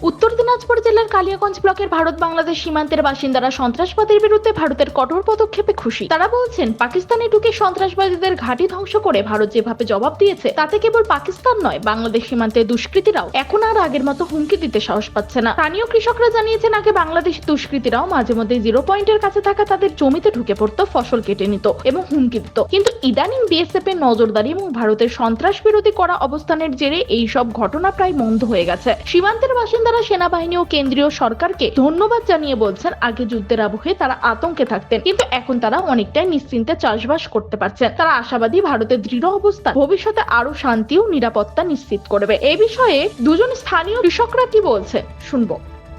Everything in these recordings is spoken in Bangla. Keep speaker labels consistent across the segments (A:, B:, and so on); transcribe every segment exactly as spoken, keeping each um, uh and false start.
A: উত্তর দিনাজপুর জেলার কালিয়াগঞ্জ ব্লকের ভারত বাংলাদেশ সীমান্তের বাসিন্দারা সন্ত্রাসবাদের বিরুদ্ধে ভারতের কঠোর পদক্ষেপে খুশি। তারা বলছেন, পাকিস্তানে ঢুকে সন্ত্রাসবাদীদের ঘাঁটি ধ্বংস করে ভারত যেভাবে জবাব দিয়েছে তাতে কেবল পাকিস্তান নয়, বাংলাদেশ সীমান্তের দুষ্কৃতীরাও এখন আর আগের মতো হুমকি দিতে সাহস পাচ্ছে না। স্থানীয় কৃষকরা জানিয়েছেন, আগে বাংলাদেশ দুষ্কৃতীরাও মাঝে মধ্যে জিরো পয়েন্টের কাছে থাকা তাদের জমিতে ঢুকে পড়তো, ফসল কেটে নিত এবং হুমকি দিত। কিন্তু ইদানিং বিএসএফ এর নজরদারি এবং ভারতের সন্ত্রাস বিরোধী করা অবস্থানের জেরে এই সব ঘটনা প্রায় বন্ধ হয়ে গেছে। সীমান্তের বাসিন্দারা সেনাবাহিনী ও কেন্দ্রীয় সরকারকে ধন্যবাদ জানিয়ে বলছেন, আগে যুদ্ধের আবহে তারা আতঙ্কে থাকতেন, কিন্তু এখন তারা অনেকটাই নিশ্চিন্তে চাষবাস করতে পারছেন। তারা আশাবাদী ভারতের দৃঢ় অবস্থান ভবিষ্যতে আরো শান্তি ও নিরাপত্তা নিশ্চিত করবে। এই বিষয়ে দুজন স্থানীয় কৃষকরা কি বলছে শুনবো।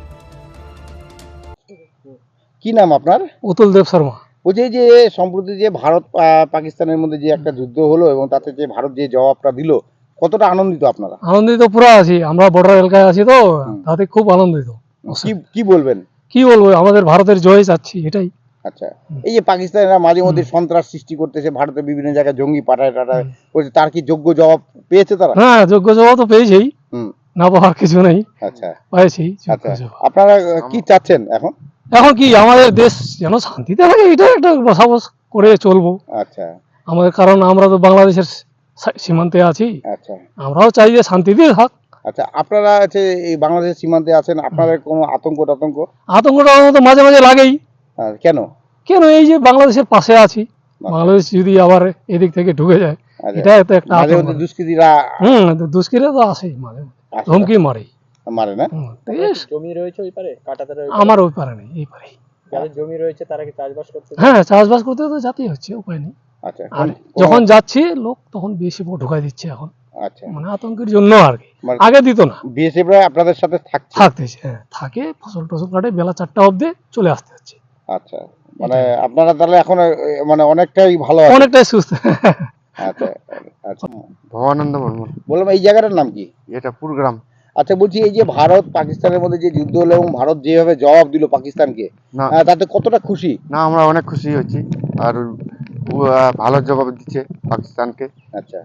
B: কি নাম আপনার?
C: উতুল দেব শর্মা।
B: বলছি যে সম্প্রতি যে ভারত পাকিস্তানের মধ্যে যে একটা যুদ্ধ হলো এবং তাতে যে ভারত যে জবাবটা দিল, কতটা আনন্দিত আপনারা?
C: আনন্দিত পুরো আছি, আমরা বর্ডার এলাকায় আছি তো, তাতে খুব আনন্দিত।
B: কি কি বলবেন?
C: কি বলবো, আমাদের ভারতের জয় চাচ্ছি, এটাই।
B: আচ্ছা, এই যে পাকিস্তানিরা মাঝে মধ্যে সন্ত্রাস সৃষ্টি করতেছে, ভারতের বিভিন্ন জায়গায় জঙ্গি পাঠায় টাটায় করছে, তার কি যোগ্য জবাব পেয়েছে তারা?
C: হ্যাঁ, যোগ্য জবাব তো পেয়েছেই,
B: হুম,
C: না পাওয়ার কিছু নেই।
B: আচ্ছা,
C: পেয়েছি।
B: আচ্ছা, আপনারা কি চাচ্ছেন এখন?
C: এখন কি আমাদের দেশ যেন শান্তিতে থাকে, এটা একটা বসবাস করে চলবো।
B: আচ্ছা,
C: আমাদের, কারণ আমরা তো বাংলাদেশের সীমান্তে আছি,
B: আচ্ছা,
C: আমরাও চাই যে শান্তিতে থাক।
B: আচ্ছা, আপনারা আছে এই বাংলাদেশের সীমান্তে আছেন, আপনাদের কোনো আতঙ্ক টাতঙ্ক?
C: আতঙ্কটা তো মাঝে মাঝে লাগেই।
B: কেন?
C: কেন, এই যে বাংলাদেশের পাশে আছি, বাংলাদেশ যদি আবার এদিক থেকে ঢুকে যায়, এটা তো একটা আতঙ্ক।
B: দুষ্কৃতীরা
C: হুম দুষ্কৃতীরা তো আসেই, মাঝে মাঝে হুমকি মারে
B: মারে না?
D: জমি রয়েছে ওই পারে, কাটাতে রয়েছে।
C: আমার ওই পারে নেই, এই পারে
D: যাদের জমি রয়েছে তারা কি চাষবাস করতে?
C: হ্যাঁ, চাষবাস করতে তো যাতেই হচ্ছে, উপায় নেই।
B: আচ্ছা,
C: আর যখন যাচ্ছি লোক তখন বেশি ঢুকাই দিচ্ছে এখন,
B: আচ্ছা,
C: মানে আতঙ্কের জন্য আর কি। আগে দিত না।
B: বিএসএফ রা আপনাদের সাথে থাকছে?
C: থাকতেছে, হ্যাঁ থাকে, ফসল টসল কাটে, বেলা চারটা অবধি চলে আসতে হচ্ছে।
B: আচ্ছা, মানে আপনারা তাহলে এখন মানে অনেকটাই ভালো আছেন?
C: অনেকটাই সুস্থ।
B: আচ্ছা, আচ্ছা।
E: ভবানন্দ বর্মন।
B: বললাম এই জায়গাটার নাম কি?
E: এটা পুরগ্রাম।
B: আচ্ছা, বলছি এই যে ভারত পাকিস্তানের মধ্যে যে যুদ্ধ হলো এবং ভারত যেভাবে জবাব দিল পাকিস্তানকে,
E: না
B: তাতে কতটা খুশি?
E: না, আমরা অনেক খুশি হচ্ছি, আর ভালো জবাব দিচ্ছে পাকিস্তানকে।
B: আচ্ছা,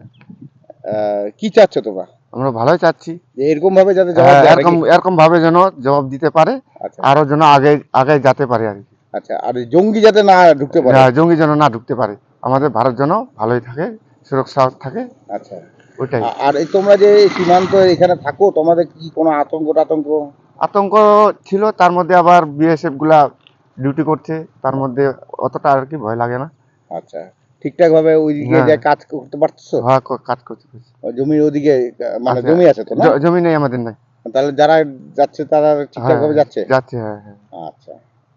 B: কি চাচ্ছ তোমরা?
E: আমরা ভালোই চাচ্ছি
B: যে এরকম ভাবে যাতে জবাব দেয়,
E: এরকম এরকম ভাবে যেন জবাব দিতে পারে, আরো যেন আগে আগে যেতে পারে আর কি।
B: আচ্ছা, আর জঙ্গি যাতে না ঢুকতে পারে,
E: জঙ্গি যেন না ঢুকতে পারে, আমাদের ভারত যেন ভালোই থাকে, সুরক্ষা থাকে।
B: আচ্ছা,
E: ওইটাই।
B: আর এই তোমরা যে সীমান্ত এখানে থাকো, তোমাদের কি কোনো আতঙ্ক টাতঙ্ক?
E: আতঙ্ক ছিল, তার মধ্যে আবার বিএসএফ গুলা ডিউটি করছে, তার মধ্যে অতটা আর কি ভয় লাগে না।
B: আচ্ছা, ঠিকঠাক ভাবে ওইদিকে যে কাজ করতে পারছো?
E: হ্যাঁ, কাজ করতে পারছি।
B: জমির ওদিকে মানে জমি আছে তো না?
E: জমি নেই আমাদের, নাই।
B: তাহলে যারা যাচ্ছে তারা ঠিকঠাক ভাবে যাচ্ছে?
E: যাচ্ছে, হ্যাঁ হ্যাঁ।
B: আচ্ছা,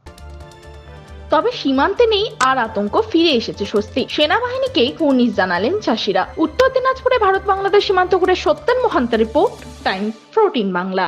A: তবে সীমান্তে নেই আর আতঙ্ক, ফিরে এসেছে স্বস্তি। সেনাবাহিনীকেই কুর্নিশ জানালেন চাষিরা। উত্তর দিনাজপুরে ভারত বাংলাদেশ সীমান্ত ঘুরে Satyen Mahanta report, Times fourteen Bangla.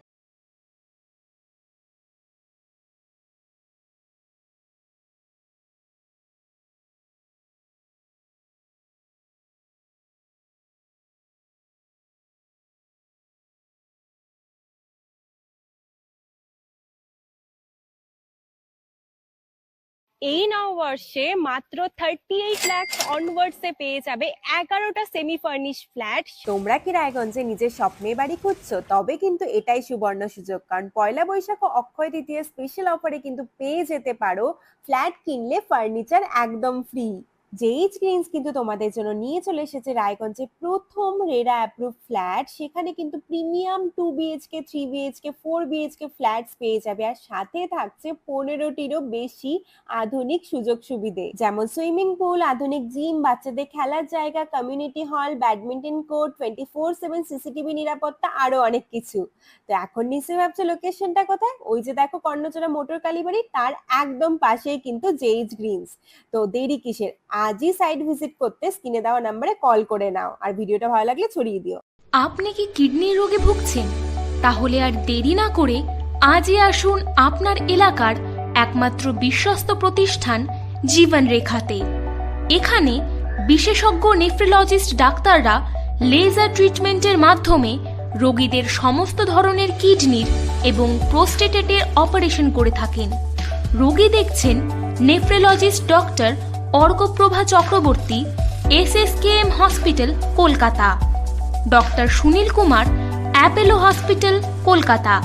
F: এই নববর্ষে মাত্র থার্টি এইট লাখ অনওয়ার্ডসে পেয়ে যাবে এগারোটা সেমি ফার্নিশ ফ্ল্যাট।
G: তোমরা কি রায়গঞ্জে নিজের স্বপ্নের বাড়ি খুঁজছো? তবে কিন্তু এটাই সুবর্ণ সুযোগ, কারণ পয়লা বৈশাখ ও অক্ষয় তৃতীয় স্পেশাল অফারে কিন্তু পেয়ে যেতে পারো ফ্ল্যাট কিনলে ফার্নিচার একদম ফ্রি। জেইচ গ্রিনস কিন্তু তোমাদের জন্য নিয়ে চলে এসেছে রায়গঞ্জে প্রথম রেরা অ্যাপ্রুভ ফ্ল্যাট। সেখানে কিন্তু premium two BHK, three BHK, four BHK flats পেয়ে যাবে, আর সাথে থাকছে পনেরোটিরও বেশি আধুনিক সুযোগ সুবিধে, যেমন সুইমিং পুল, আধুনিক জিম, বাচ্চাদের খেলার জায়গা, community hall, badminton court, twenty four seven CCTV নিরাপত্তা, আরো অনেক কিছু। তো এখন নিশ্চয়ই ভাবছো লোকেশনটা কোথায়? ওই যে দেখো কর্ণচড়া মোটর কালীবাড়ি, তার একদম পাশেই কিন্তু জেইচ গ্রিনস। তো দেরি কিসের, আজই সাইট ভিজিট করতে স্ক্রিনে দেওয়া নম্বরে কল করে নাও, আর ভিডিওটা ভালো লাগলে ছড়িয়ে দিও।
H: আপনি কি কিডনির রোগে ভুগছেন? তাহলে আর দেরি না করে আজই আসুন আপনার এলাকার একমাত্র বিশ্বস্ত প্রতিষ্ঠান জীবন রেখাতে। এখানে বিশেষজ্ঞ নেফ্রোলজিস্ট ডাক্তাররা লেজার ট্রিটমেন্টের মাধ্যমে রোগীদের সমস্ত ধরনের কিডনির এবং প্রোস্টেটেটের অপারেশন করে থাকেন। রোগী দেখছেন nephrologist doctor Arkaprava Chakraborty, S S K M hospital, Kolkata. Doctor Sunil Kumar, Apollo hospital, Kolkata.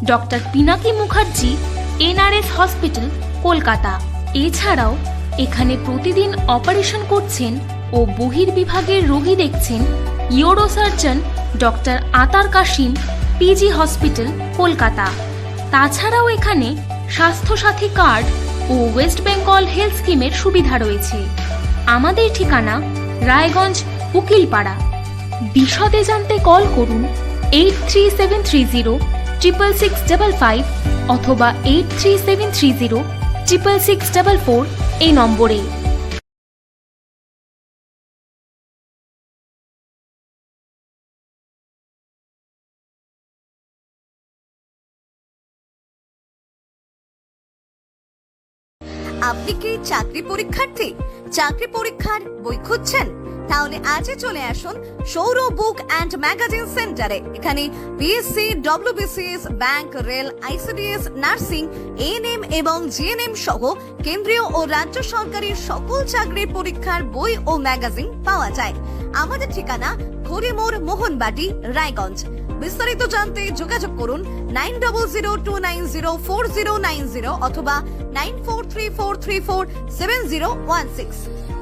H: Doctor Pinaki Mukherjee NRS hospital Kolkata. এছাড়াও এখানে প্রতিদিন অপারেশন করছেন ও বহির্বিভাগের রোগী দেখছেন ইউরোসার্জন ডক্টর আতার কাশিম পিজি হসপিটাল কলকাতা। তাছাড়াও এখানে স্বাস্থ্যসাথী কার্ড ও ওয়েস্ট বেঙ্গল হেলথ স্কিমের সুবিধা রয়েছে। আমাদের ঠিকানা রায়গঞ্জ উকিলপাড়া। বিশদে জানতে কল করুন eight three seven three zero triple six double five অথবা eight three seven three zero triple six double four এই নম্বরে।
I: আপনি কি চাকরি পরীক্ষার্থী? চাকরি পরীক্ষার বই খুঁজছেন? তাহলে আজই চলে আসুন সৌর বুক অ্যান্ড ম্যাগাজিন সেন্টারে। এখানে BSC, WBCS, bank, rail, ICDS, nursing, ANM এবং জিএনএম সহ কেন্দ্রীয় ও রাজ্য সরকারের সকল চাকরির পরীক্ষার বই ও ম্যাগাজিন পাওয়া যায়। আমাদের ঠিকানা খড়িমোড়, মোহনবাটি, রায়গঞ্জ। বিস্তারিত জানতে যোগাযোগ করুন nine double zero two nine zero four zero nine zero অথবা nine four three four three four seven zero one six.